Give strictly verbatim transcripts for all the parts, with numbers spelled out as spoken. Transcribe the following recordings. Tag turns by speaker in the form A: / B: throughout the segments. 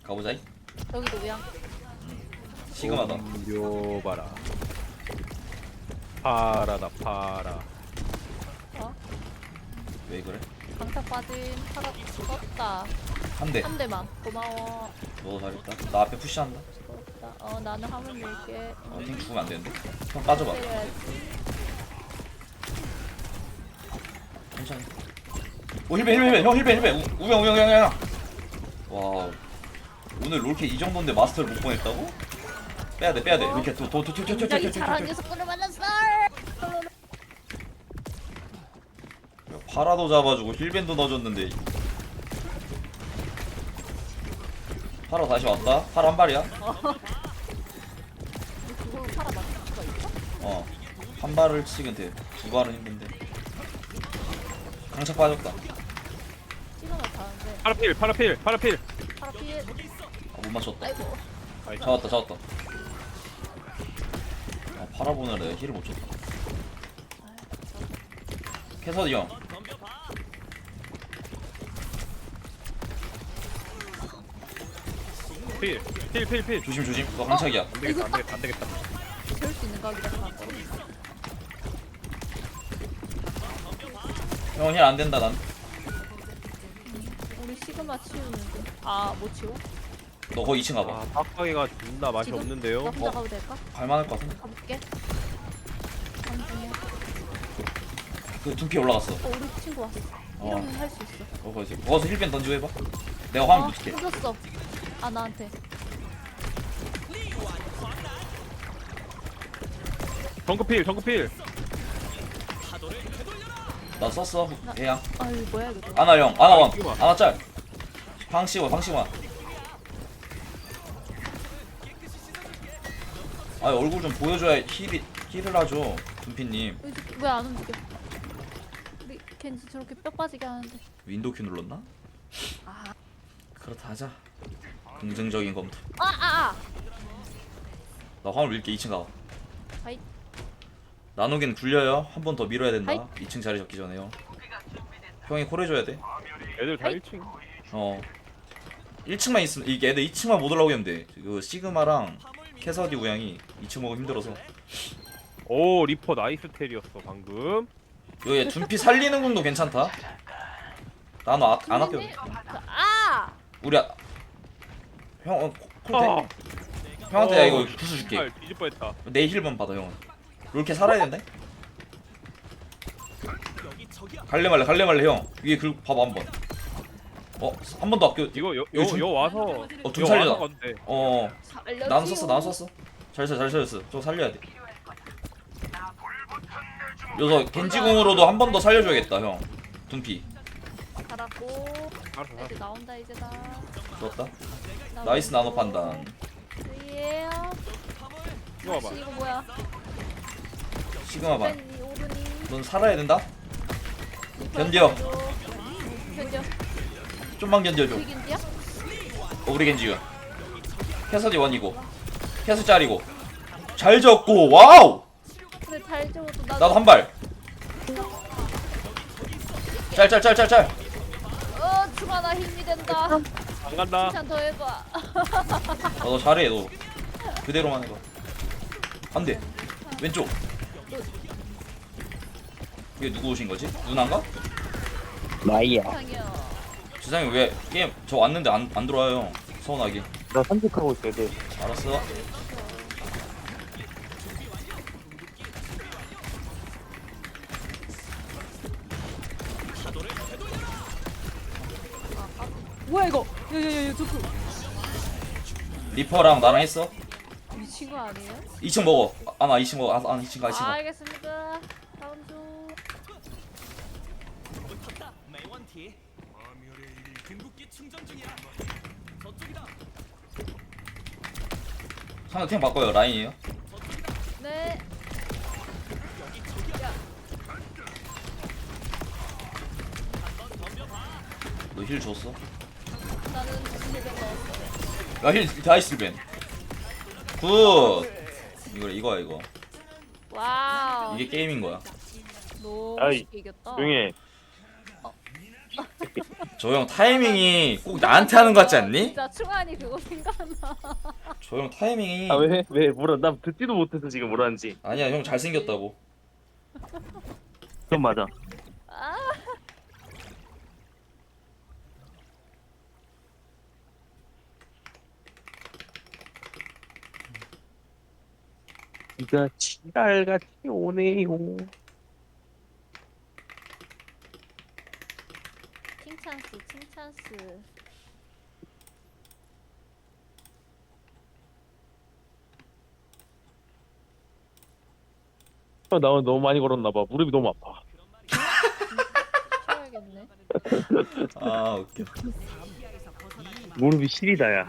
A: 가보자이.
B: 여기도 우양.
A: 시그마다.
C: 묘봐라. 파라다 파라.
B: 어?
A: 왜 그래?
B: 강타 빠진 파라 죽었다.
A: 한 대.
B: 한 대만. 고마워.
A: 너 잘했다. 나 앞에 푸시한다.
B: 죽었다. 어 나는 화물 밀게.
A: 어, 형 죽으면 안 되는데. 형 빠져봐.
B: 때려야지.
A: 천천히. 오 힐벤 힐벤 힐벤 형 힐벤 힐벤. 우- 우영 우영 우영 우영. 와. 오늘 롤캐 이 정도인데 마스터를 못 보냈다고? 빼야 돼 빼야 돼. 롤캐 도도도도도도도.
B: 굉장히 잘하는 녀석들을 만났어.
A: 파라도 잡아주고 힐벤도 넣어줬는데. 파라 다시 왔다. 파라 한 발이야.
B: 그걸 파라 맞을 수가 있어?
A: 어. 한 발을 치면 돼. 두 발은 힘든데. 강착 빠졌다.
B: 찍어놔 다는데.
C: 파라필 파라필 파라필.
B: 파라 피해.
A: 아, 못 맞췄다.
B: 아이고.
A: 잡았다 잡았다. 아, 파라 보느라 내가 힐을 못 쳤다. 캐서디 형.
C: 필필필필.
A: 조심 조심. 너 강착이야.
C: 안 되겠다 안 되겠다 안 되겠다.
B: 재울 수 있는 각이라서 안 떨어.
A: 형 힐 안 된다 난.
B: 우리 시그마 치우는데. 아 못 치워?
A: 너 거기 이 층 가봐.
C: 아 빡빡이가 존나 맛이
B: 지금?
C: 없는데요.
B: 나 혼자
A: 어.
B: 가도 될까?
A: 갈만할 것 같은데.
B: 가볼게. 간 중이야.
A: 그 둔피 올라갔어.
B: 어 우리 친구 왔어.
A: 어.
B: 이러면 할 수 있어.
A: 어 거기서 거기서 힐벤 던지고 해봐. 내가 화면
B: 아,
A: 붙일게.
B: 던졌어. 아 나한테.
C: 정크필 정크필.
A: 나 썼어. 대양.
B: 아 이거 뭐야 이거.
A: 아나 형. 아나 원.
C: 이거 봐.
A: 아나 짤. 방시원 방시원. 아 얼굴 좀 보여줘야 힐이 힐을 하죠. 둔피님.
B: 왜안 움직여? 우리 겐지 저렇게 뼈 빠지게 하는데.
A: 윈도우 큐 눌렀나?
B: 아.
A: 그렇다 하자. 긍정적인 검토.
B: 아 아 아.
A: 나 화물 밀게. 이 층 가.
B: 하이.
A: 나누긴 굴려요. 한 번 더 밀어야 된다.
B: 하이.
A: 이 층 자리 잡기 전에요. 형이 콜 해줘야 돼.
C: 애들 다
B: 아이.
C: 일 층.
A: 어. 일 층만 있으면 이게 애들 이 층만 못 올라오게 하면 돼. 그 시그마랑 캐서디 우양이 이 층 먹으면 힘들어서.
C: 오 리퍼 나이스 텔이었어 방금.
A: 여기 둔피 살리는 궁도 괜찮다. 나는 아, 안 아껴.
B: 아.
A: 우리 아... 형 어, 콜 돼?
C: 아.
A: 형한테 야 이거 부수 줄게.
C: 아, 뒤질 뻔했다.
A: 내 힐만 받아 형은. 이렇게 살아야 된다. 갈래 말래 갈래 말래 형. 위에 그 봐봐 한 번. 어 한 번 더 아껴.
C: 이거 요
A: 이거 좀-
C: 요 와서
A: 어, 좀
C: 요
A: 살려라.
C: 와서 건데.
A: 어
B: 살려줘.
A: 나는 썼어 나는 썼어. 잘 써 잘 살렸어. 저 살려야 돼. 여기서 겐지궁으로도 한 번 더 살려줘야겠다 형. 둔피
B: 살았고.
C: 알았어 알았어.
B: 이제 나온다 이제 나.
A: 좋았다. 나이스 나노 판단.
B: 예.
C: 이거 봐봐.
B: 이거 뭐야?
A: 시그마 반.
B: 오른이 오른이.
A: 넌 살아야 된다. 견뎌.
B: 견뎌.
A: 좀만 견뎌줘.
B: 우리 견디야?
A: 어, 우리 겐지가. 캐서디 원이고. 캐서 짤이고. 잘 졌고 와우.
B: 그래 잘 적어도 나.
A: 나도 한 발. 짤 짤 짤 짤짤.
B: 어 주마 나 힘이 된다.
C: 안 간다.
B: 칭찬 더 해봐.
A: 어, 너 잘해 너. 그대로만 해봐. 안 돼. 왼쪽. 이게 누구 오신 거지? 누나인가?
D: 나이야.
B: 상이야.
A: 주상이 왜 게임 저 왔는데 안, 안 들어와요. 서운하게.
D: 나 산책하고 있어야 돼.
A: 알았어.
B: 뭐야 이거? 야야야 저거
A: 리퍼랑 나랑 했어.
B: 미친 거 아니에요?
A: 이 층 먹어. 아 나 이 층 먹어. 아 이 층 가 이 층
B: 아,
A: 가.
B: 알겠습니다. 다음 주.
A: 상대 템 바꿔요. 라인이에요.
B: 네.
A: 너 힐 줬어?
B: 나는 집에 넣었어.
A: 야힐 다이스 벤. 굿. 이거 이거야 이거.
B: 와우.
A: 이게 게임인 거야.
B: 너무
D: 아이,
B: 쉽게 이겼다.
D: 조용히 해.
A: 저 형 타이밍이 꼭 나한테 하는 것 같지 않니?
B: 진짜 충환이 그거 생각나.
A: 저 형 타이밍이
D: 아 왜? 왜 뭐라 나 듣지도 못해서 지금 뭐라는지.
A: 아니야 형 잘생겼다고.
D: 그건 맞아.
B: 아,
D: 비가 지랄같이 오네요.
B: 칭찬스, 칭찬스.
D: 아, 나 오늘 너무 많이 걸었나봐. 무릎이 너무 아파.
B: 쳐야겠네.
A: 아 웃겨.
D: 무릎이 시리다야.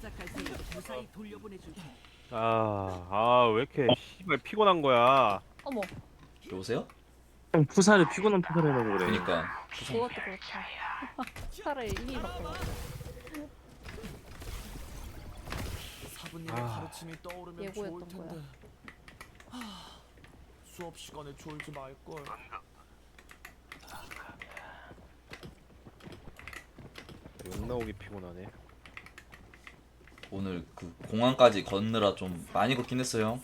C: 아, 아, 왜 이렇게 씨발 피곤한 거야?
B: 어머,
A: 여보세요?
D: 형 푸사를 피곤한 푸사를 해라고 그래.
A: 그니까
B: 그것도 그렇다. 차라리 이미 바꿔.
E: 사부님의
C: 아.
E: 가르침이 떠오르면
B: 예고했던
E: 좋을 텐데.
B: 거야.
E: 하, 수업 시간에 졸지 말 걸.
C: 욕 나오기 피곤하네.
A: 오늘 그 공항까지 걷느라 좀 많이 걷긴 했어요.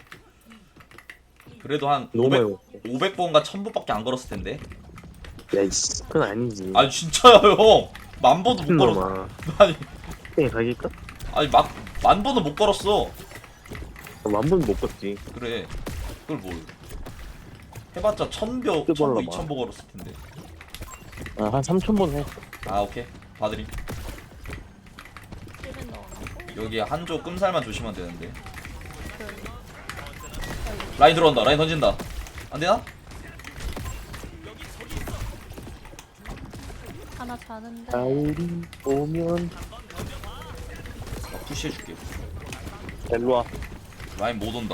A: 그래도 한
D: 너무 많이
A: 오백, 오백 번과 천 번밖에 안 걸었을 텐데.
D: 야 이씨 그건 아니지.
A: 아니 진짜요 형. 만 번도 못 걸었어.
D: 놈아.
A: 아니
D: 땡 가길까?
A: 아니 막 만 번도 못 걸었어.
D: 만번 못 걷지.
A: 그래. 그걸 뭘? 해봤자 천 벼,
D: 그
A: 천 보,
D: 벌러봐.
A: 이천 보 걸었을 텐데.
D: 아, 한 삼천 번 해.
A: 아 오케이. 봐드림.
B: 찔면 넣어놓고.
A: 여기 한조 끔살만 조심하면 되는데.
B: 그러니.
A: 라인 들어온다. 라인 던진다. 안 되나?
B: 하나 자는데.
D: 가을이 오면
A: 나 푸시해줄게.
D: 일로와.
A: 라인 못 온다.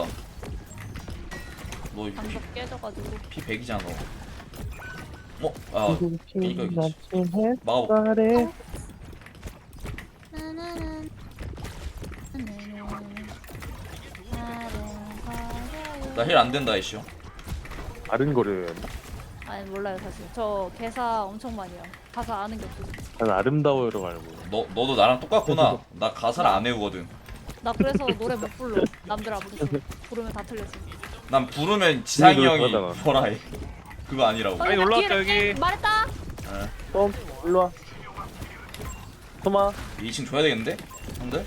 A: 너 피,
B: 방석 깨져가지고.
A: 피 백이잖아. 어? 아 그니까 여기지.
D: 아침
A: 막아봐.
D: 햇살에
B: 나나는
A: 나 힐 안 된다 이쇼.
D: 아른거려요.
B: 아니 몰라요 사실. 저 개사 엄청 많이 해요. 가사 아는 게 없어서.
D: 난 아름다워요로 알고.
A: 너 너도 나랑 똑같구나. 나 가사를 안 외우거든.
B: 나 그래서 노래 못 불러. 남들 안 부르서 부르면 다 틀렸어.
A: 난 부르면 지상이
D: 노래
A: 형이
D: 잘하잖아.
A: 뭐라 해. 그거 아니라고.
C: 아니, 올라왔다,
B: 뒤에-
C: 여기.
B: 에, 말했다.
D: 톰 일로와. 토마.
A: 이 층 줘야 되겠는데? 형들?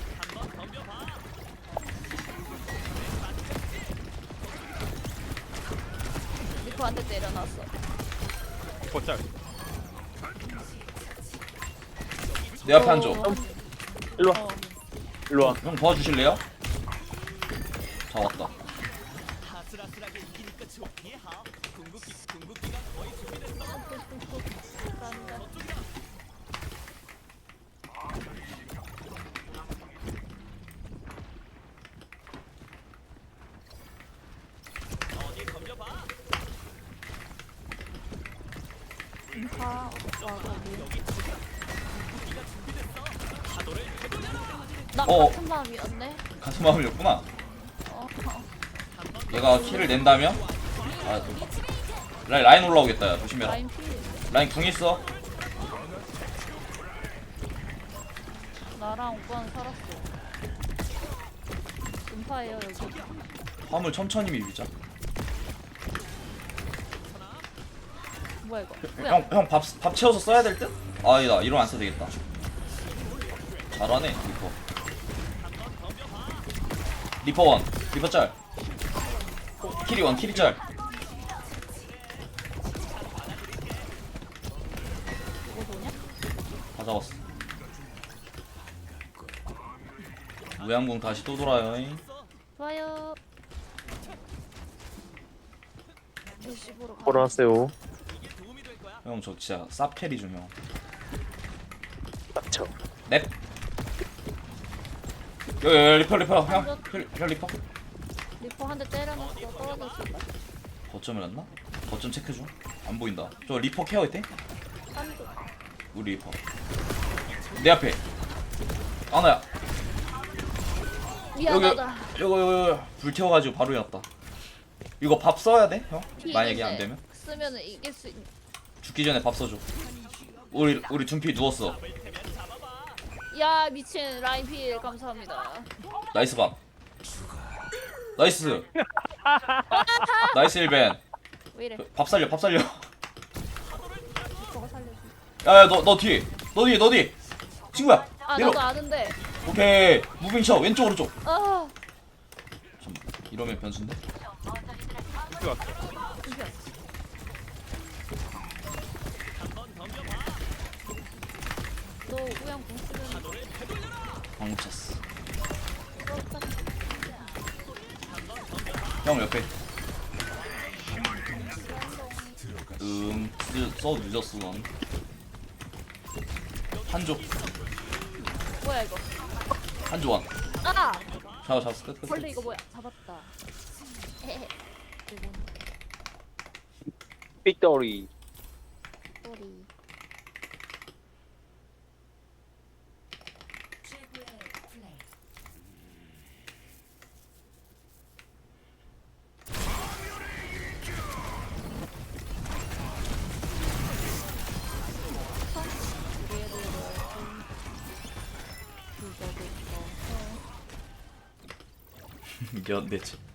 B: 리코한테 때려놨어.
C: 걷자.
A: 내 앞에 한조.
B: 어,
D: 일로와.
B: 어.
D: 일로와.
A: 형 도와주실래요? 자 왔다.
B: 인파 와 거기. 나
A: 어.
B: 같은 마음이었네.
A: 같은 마음이었구나.
B: 어, 어.
A: 얘가 키를 낸다면? 아, 또. 라인, 라인 올라오겠다. 야. 조심해라.
B: 라인 피.
A: 라인 궁 있어.
B: 나랑 오빠는 살았어. 인파예요 여기.
A: 화물 천천히 밀자.
B: 뭐야 이거? 뭐야?
A: 형, 형 밥, 밥 채워서 써야 될 듯? 아니다. 이러면 안 써도 되겠다. 잘하네, 리퍼. 리퍼 원. 리퍼 짤. 키리 원, 키리 짤.
B: 이거 뭐냐?
A: 다 잡았어. 무양궁 다시 또 돌아요. 잉.
B: 좋아요. 일십으로 가.
D: 보러 왔어요.
A: 형, 저 진짜 쌉 캐리 중 형.
D: 맞죠.
A: 넵. 여기, 여기 리퍼, 리퍼. 형, 형, 형 리퍼.
B: 리포 한 대 때려놨어. 떨어졌을까?
A: 거점을 갔나? 거점 체크 중. 안 보인다. 저 리퍼 케어 있대?
B: 한쪽.
A: 우리 리퍼. 내 앞에. 아나야. 여기, 여기,
B: 미안하다.
A: 여기, 여기. 불 태워가지고 바로 해놨다. 이거 밥 써야 돼, 형?
B: 피
A: 만약에 안
B: 있는데
A: 되면?
B: 쓰면은 이길 수 있.
A: 죽기 전에 밥 써줘. 우리 우리 둠피 누웠어.
B: 야 미친 라인필 감사합니다.
A: 나이스 밥. 나이스. 나이스 일벤.
B: 왜 이래?
A: 밥 살려 밥 살려.
B: 저거 살려줘.
A: 야야 너 너 뒤에 너 뒤에 너 뒤에 친구야.
B: 아
A: 내려.
B: 나도 아는데.
A: 오케이 무빙 쳐 왼쪽 오른쪽.
B: 아
A: 잠 이러면 변수인데.
C: 둠피 왔어.
B: 너 우양 공 쓰면
A: 방금 찼어. 형 옆에. 음, 늦- 써 늦었어 넌. 한조,
B: 뭐야 이거?
A: 한조원.
B: 아
A: 잡아 잡았어 끝 끝.
B: 벌레 이거 뭐야? 잡았다. 헤헤. 이거
D: 빅토리.
B: 꼬리.
A: 연대체.